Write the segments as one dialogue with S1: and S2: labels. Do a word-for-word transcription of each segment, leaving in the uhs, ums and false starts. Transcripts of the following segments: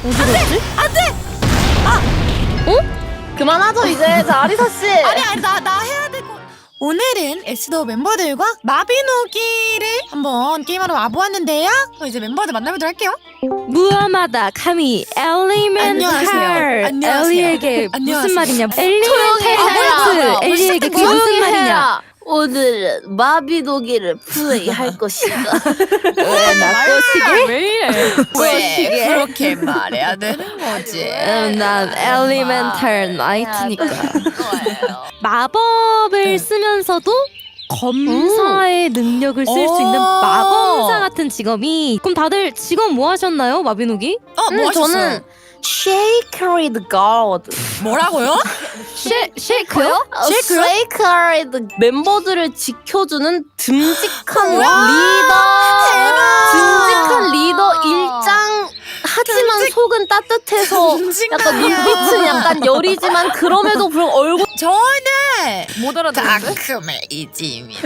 S1: 어디 갔지?
S2: 안돼!
S1: 어?
S3: 그만하죠 이제. 자 아리사 씨.
S2: 아니 아니 나 나 해야 되고. 오늘은 에스더 멤버들과 마비노기를 한번 게임하러 와보았는데요. 그럼 이제 멤버들 만나보도록 할게요.
S1: 무하마다 카미 엘리멘탈
S2: 안녕하세요. 안녕하세요.
S1: 엘리에게
S2: 안녕하세요.
S1: 무슨 말이냐?
S3: 조용히 해라.
S1: 엘리멘탈 엘리에게 그게 무슨 말이냐?
S3: 오늘은 마비노기를 플레이할 것이다.
S1: 왜 나꼬시게?
S2: 왜 이래? 왜 그렇게 말해야 되는 거지?
S1: 음, 난 엘리멘탈 나이트니까. 마법을 쓰면서도 검사의 능력을 쓸 수 있는
S2: 오.
S1: 마검사 같은 직업이. 그럼 다들 직업 뭐 하셨나요, 마비노기?
S2: 어, 뭐
S3: 음,
S2: 하셨어요?
S3: 저는 Sacred God.
S2: 뭐라고요?
S1: 쉐 쉐이크요?
S3: 쉐이크요? Sacred 멤버들을 지켜주는 듬직한
S2: 와,
S3: 리더.
S2: 대박!
S3: 듬직한 리더 일장. 하지만
S2: 듬직-
S3: 속은 따뜻해서 약간 눈빛은 약간 여리지만 그럼에도 불구하고 얼굴
S2: 저는
S3: 못 알아듣는데?
S2: 다크메이지입니다.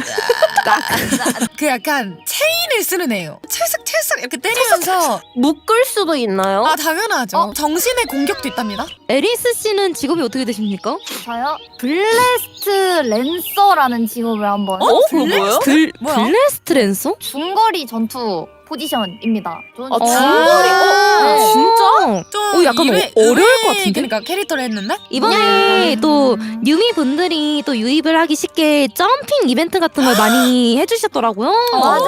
S2: 그 약간 체인을 쓰는 애요. 찰싹찰싹 이렇게 때리면서.
S3: 묶을 수도 있나요?
S2: 아 당연하죠.
S4: 어?
S2: 정신의 공격도 있답니다.
S1: 에리스 씨는 직업이 어떻게 되십니까?
S4: 저요? 블레스트 랜서라는 직업을 한번
S3: 어? 그거 뭐예요?
S1: 블
S2: 뭐야?
S1: 블레스트 랜서?
S4: 중거리 전투 포지션입니다. 저는
S3: 아,
S4: 중-
S3: 중거리? 어?
S4: 네.
S1: 진짜?
S2: 좀
S1: 어, 약간
S2: 이외-
S1: 어- 어려울
S2: 의외의
S1: 것 같은데?
S2: 그러니까 캐릭터를 했는데.
S1: 이번에
S4: 음.
S1: 또 뉴미 분들이 또 유입을 하기 쉽게 점핑 이벤트 같은 걸 많이 해주셨더라고요.
S4: 맞아요.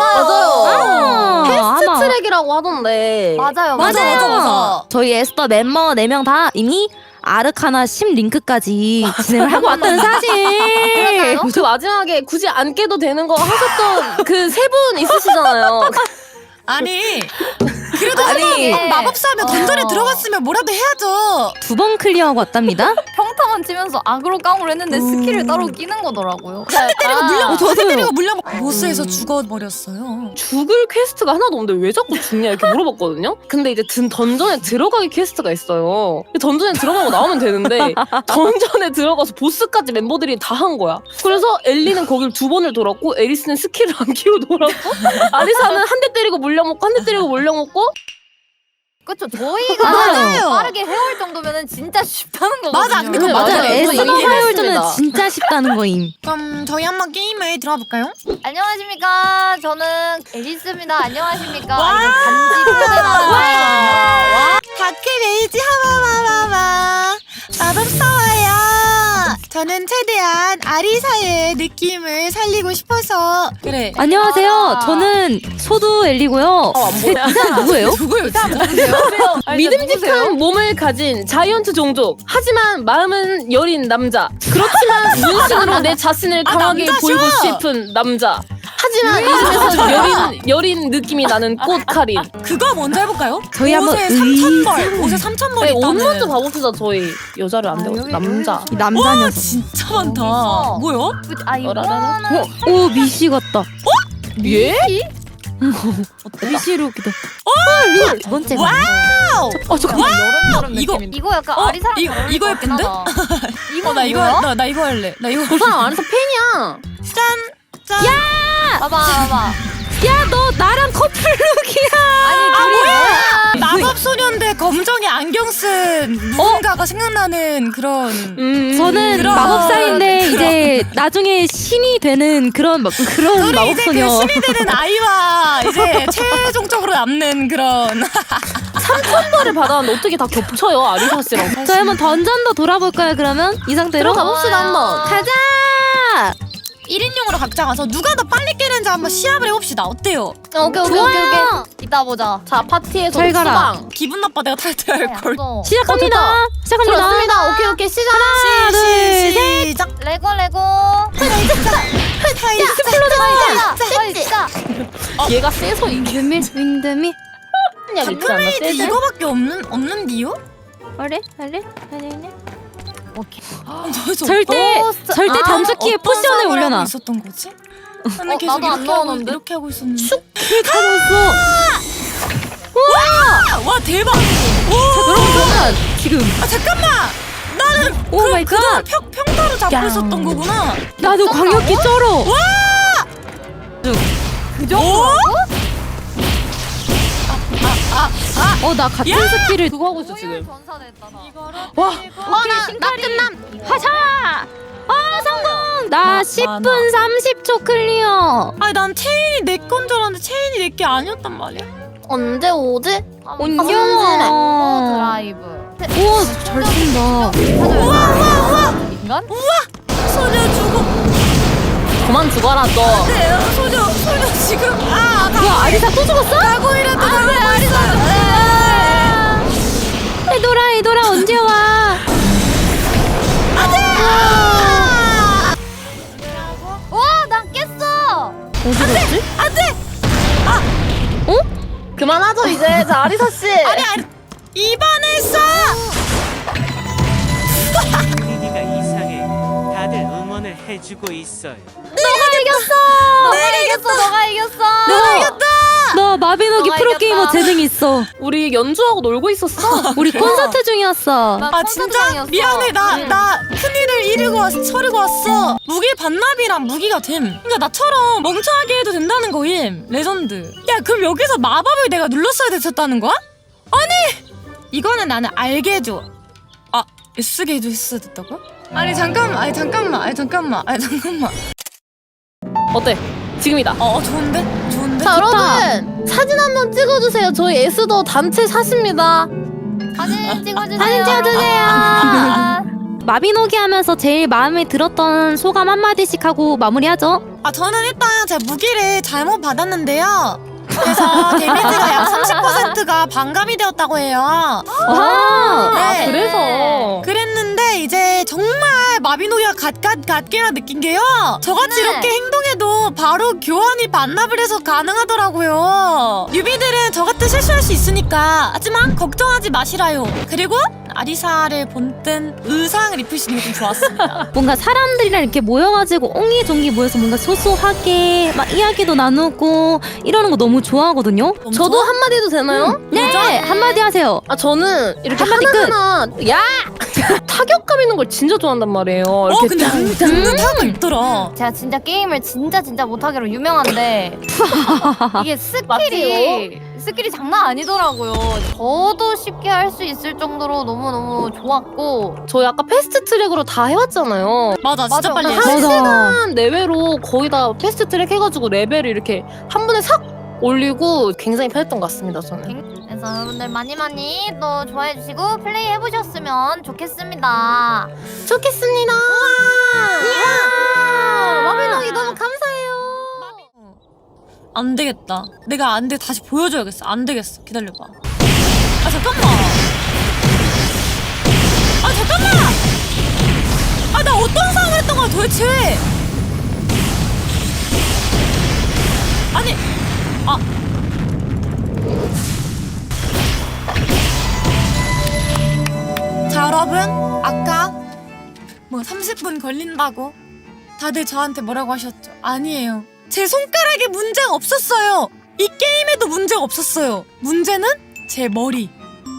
S1: 아,
S3: 패스트
S1: 아마.
S3: 트랙이라고 하던데.
S4: 맞아요,
S2: 맞아,
S4: 맞아요.
S2: 맞아, 맞아.
S1: 저희 에스더 멤버 네 명 다 이미 아르카나 십 링크까지 진행을 하고 왔다는 사실.
S4: 그러나요?
S3: 그 마지막에 굳이 안 깨도 되는 거 하셨던 그 세 분 있으시잖아요.
S2: 아니 그래도
S1: 아니.
S2: 한번 마법사 하면 던전에
S4: 어.
S2: 들어갔으면 뭐라도 해야죠.
S1: 두 번 클리어하고 왔답니다.
S4: 평타만 치면서 아그로 깡으로 했는데 스킬을 따로 끼는 거더라고요.
S2: 한 대 때리고 물려.
S1: 어,
S2: 한 대
S1: 저도요.
S2: 때리고 물려. 보스에서 죽어버렸어요.
S3: 죽을 퀘스트가 하나도 없는데 왜 자꾸 죽냐 이렇게 물어봤거든요. 근데 이제 든 던전에 들어가기 퀘스트가 있어요. 던전에 들어가고 나오면 되는데 던전에 들어가서 보스까지 멤버들이 다 한 거야. 그래서 엘리는 거길 두 번을 돌았고 에리스는 스킬을 안 키고 돌았고 아리사는 한 대 때리고 물려먹고 한 대 때리고 물려먹고.
S4: 그쵸? 저희가
S1: 맞아요.
S4: 빠르게 해올 정도면은 진짜 쉽다는 거거든요.
S2: 맞아, 근데 그거
S3: 네,
S2: 맞아요.
S3: 맞아요.
S1: 에스더
S3: 이거
S1: 화요일전은
S3: 이해했습니다.
S1: 진짜 쉽다는 거임.
S2: 그럼 저희 한번 게임에 들어가 볼까요?
S4: 안녕하십니까? 저는 에리스입니다. 안녕하십니까?
S2: 와!
S4: 아, 이거 간지 표현하는
S2: 다크메이지 하마마마마 마법사와요. 저는 최대한 아리사의 느낌을 살리고 싶어서. 그래.
S1: 안녕하세요.
S4: 아.
S1: 저는 소두 엘리고요.
S3: 어, 안 보여.
S1: 누구예요?
S2: 누구예요? 진짜?
S3: 믿음직한 몸을 가진 자이언트 종족. 하지만 마음은 여린 남자. 그렇지만 문신으로 내 자신을
S2: 아,
S3: 강하게
S2: 남자셔!
S3: 보이고 싶은 남자. 하지만 이 중에서 여린 여린 느낌이 나는 꽃카린.
S2: 그거 먼저 해볼까요?
S1: 저희 한번
S2: 옷에
S1: 의-
S2: 삼천 벌. 옷에 삼천 벌
S3: 네, 옷
S2: 있다는.
S3: 먼저 봐봅시다. 저희 여자를 안
S4: 아,
S3: 되고
S4: 여기,
S3: 남자.
S1: 이 남자
S2: 와
S1: 녀석.
S2: 진짜 많다.
S4: 어.
S2: 뭐야?
S4: 아
S3: 어라라라.
S4: 이거는
S1: 어, 오 미시 같다.
S3: 예?
S1: 미시로 기다. 어, 두 번째. 거.
S2: 와우.
S1: 어 잠깐만.
S4: 여름
S2: 이거-
S4: 느낌인데. 이거 약간
S2: 어?
S4: 아리사랑
S2: 이거-
S4: 잘 어울릴
S2: 이거
S4: 것 같긴
S2: 예쁜데?
S4: 하다.
S2: 어, 나 이거
S4: 뭐야?
S2: 나, 나 이거 할래. 나 이거.
S3: 그 사람 안에서 팬이야.
S2: 짠. 짠.
S4: 봐봐 봐봐.
S1: 야 너 나랑 커플룩이야.
S4: 아니 둘이 뭐야?
S2: 마법 소년대 검정에 안경 쓴 누군가가 생각나는 그런.
S3: 음.
S1: 저는
S2: 그럼.
S1: 마법사인데
S2: 그럼.
S1: 이제 나중에 신이 되는 그런 마- 그런
S2: 우리 이제 그
S1: 마법소녀.
S2: 신이 되는 아이와 이제 최종적으로 남는 그런.
S3: 삼천 벌을 받았는데 어떻게 다 겹쳐요 아리사 씨랑.
S1: 저희 한번 던전도 돌아볼까요? 그러면 이 상태로
S3: 들어가 봅시다 한번.
S1: 가자.
S2: 일 인용으로 각자 가서 누가 더 빨리 깨는지 한번 시합을 해봅시다. 어때요?
S4: 어, 오케이 오케이 오케이 오케이. 이따 보자.
S3: 자 파티에서
S1: 잘 가라.
S3: 수방.
S2: 기분 나빠 내가 탈퇴할 걸.
S4: 어,
S1: 시작합니다.
S3: 어,
S1: 시작합니다.
S3: 좋습니다. 오케이 오케이 시작.
S1: 하나, 둘, 셋.
S2: 시작.
S4: 레고 레고.
S2: 하이자.
S4: 진짜.
S3: 얘가 세서 이게
S1: 윈드밀 윈드밀.
S3: 그냥 있지 않나?
S2: 다크메이드
S3: 세서?
S2: 이거밖에 없는 없는디요?
S1: 어래 어래 어래.
S4: 오케이.
S2: 저-
S1: 절대
S4: 포스트-
S1: 절대
S4: 아,
S1: 단축키에
S2: 어떤
S1: 포션을
S2: 상을
S1: 올려놔.
S2: 하고 있었던 거지? 나는
S4: 어,
S2: 계속
S4: 나도 안
S2: 이렇게 하고,
S4: 넣어놓는데?
S2: 이렇게 하고 있었는데.
S1: 타였어.
S2: 와, 와 대박. 오,
S1: 여러분 지금
S2: 아 잠깐만. 나는
S1: 오 마이 갓.
S2: 평 평타로 잡고
S1: 야.
S2: 있었던 거구나.
S1: 나도 광역기 쩔어.
S2: 그 정도?
S1: 어 나 같은 스킬을
S3: 그거 하고 있어 지금.
S4: 전사됐다 나.
S3: 와.
S1: 오케이 나 끝남 하자. 아 성공. 나
S2: 마-
S1: 십 분
S2: 많아.
S1: 삼십 초 클리어.
S2: 아니 난 체인이 내 건 줄 알았는데 체인이 내 게 아니었단 말이야.
S3: 언제 오지?
S1: 온영아.
S4: 어, 드라이브.
S1: 우와 잘 쓴다.
S4: 우와 우와 우와. 인간?
S2: 소녀 죽어.
S3: 그만 죽어라 너.
S2: 네, 소녀 소녀 지금 아 가.
S1: 야 아리사 또 죽었어?
S2: 가고이라도 가고 있어.
S1: 에도라 에도라 언제 와?
S4: 와, 난 깼어.
S1: 어디 갔지?
S3: 그만하죠 이제. 자 아리사 씨.
S2: 아니 아니 입안했어.
S5: 분위기가 이상해. 다들 응원을 해주고 있어요.
S1: 너가 이겼어.
S4: 너가 이겼어. 너가 이겼어.
S1: 너가 이겼다. 너 마비노기
S4: 너가
S1: 프로게이머
S4: 이겼다.
S1: 재능 있어.
S3: 우리 연주하고 놀고 있었어.
S1: 우리 콘서트 중이었어.
S4: 나
S2: 아
S4: 콘서트
S2: 진짜
S4: 장이었어.
S2: 미안해 나
S3: 응.
S2: 나 큰일을 이루고 왔, 처리고 왔어. 무기 반납이랑 무기가 됨. 그러니까 나처럼 멍청하게 해도 된다는 거임. 레전드. 야 그럼 여기서 마법을 내가 눌렀어야 됐었다는 거야? 아니 이거는 나는 알게 해줘. 아 S게 해줘 했어야 됐다고? 아니 잠깐만 아니 잠깐만 아니 잠깐만 아니 잠깐만.
S3: 어때? 지금이다.
S2: 어, 어 좋은데 좋은데.
S3: 자
S1: 좋다.
S3: 여러분 사진 한번 찍어주세요. 저희 에스더 단체 샷입니다.
S4: 사진 찍어주세요.
S1: 사진 찍어주세요.
S4: 아,
S1: 마비노기 하면서 제일 마음에 들었던 소감 한마디씩 하고 마무리하죠.
S2: 아 저는 일단 제가 무기를 잘못 받았는데요. 그래서 데미지가 약 삼십 퍼센트가 반감이 되었다고 해요.
S1: 와.
S2: 네.
S3: 그래서
S2: 그랬는데 이제 정말 마비노기가 갓갓 갓게라 느낀 게요. 저같이
S4: 네.
S2: 이렇게 행동해도 바로 교환이 반납을 해서 가능하더라고요. 뉴비들은 저 같은 실수할 수 있으니까. 하지만 걱정하지 마시라요. 그리고 아리사를 본뜬 의상 리프시는 게 좀 좋았습니다.
S1: 뭔가 사람들이랑 이렇게 모여가지고 옹기종기 모여서 뭔가 소소하게 막 이야기도 나누고 이러는 거 너무 좋아하거든요.
S2: 너무
S3: 저도
S2: 좋아?
S3: 한마디 해도 되나요?
S1: 네 한마디 하세요.
S3: 아 저는 이렇게
S1: 한마디
S3: 하나하나 야 타격감 있는 걸 진짜 좋아한단 말이에요.
S2: 어
S3: 이렇게
S2: 근데 안 듣는 타고 있더라.
S4: 제가 진짜 게임을 진짜 진짜 못하기로 유명한데 이게 스킬이 스킬이 장난 아니더라고요. 저도 쉽게 할 수 있을 정도로 너무 너무 좋았고.
S3: 저희 아까 패스트 트랙으로 다 해왔잖아요.
S2: 맞아 진짜
S4: 맞아.
S2: 빨리
S3: 한
S2: 했어.
S1: 맞아.
S3: 시간 내외로 거의 다 패스트 트랙 해가지고 레벨을 이렇게 한 번에 싹 올리고 굉장히 편했던 것 같습니다. 저는.
S4: 그래서 여러분들 많이 많이 또 좋아해 주시고 플레이 해보셨으면 좋겠습니다.
S3: 좋겠습니다.
S4: 이야, 마비노기 너무 감사해요.
S2: 안 되겠다. 내가 안 돼. 다시 보여줘야겠어. 안 되겠어. 기다려봐. 아 잠깐만. 아 잠깐만. 아 나 어떤 상황을 했던 거야 도대체? 아니. 아. 자 여러분 아까 뭐 삼십 분 걸린다고 다들 저한테 뭐라고 하셨죠? 아니에요. 제 손가락에 문제가 없었어요. 이 게임에도 문제가 없었어요. 문제는 제 머리.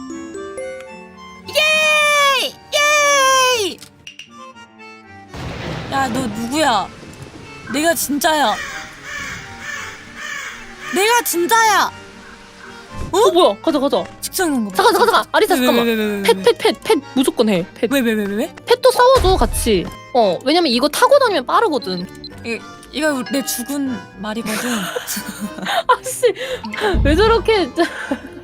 S2: 예이! 예이! 야, 너 누구야? 내가 진짜야. 내가 진짜야.
S3: 어 뭐야? 가자 가자.
S2: 직장인 거 봐.
S3: 잠깐 잠깐 잠깐. 아리사 잠깐만.
S2: 왜왜왜왜왜
S3: 펫 펫 펫 펫 무조건 해. 펫.
S2: 왜 왜 왜 왜?
S3: 펫도 싸워줘 같이. 어 왜냐면 이거 타고 다니면 빠르거든.
S2: 이거 내 죽은 말이거든.
S3: 아씨 왜 저렇게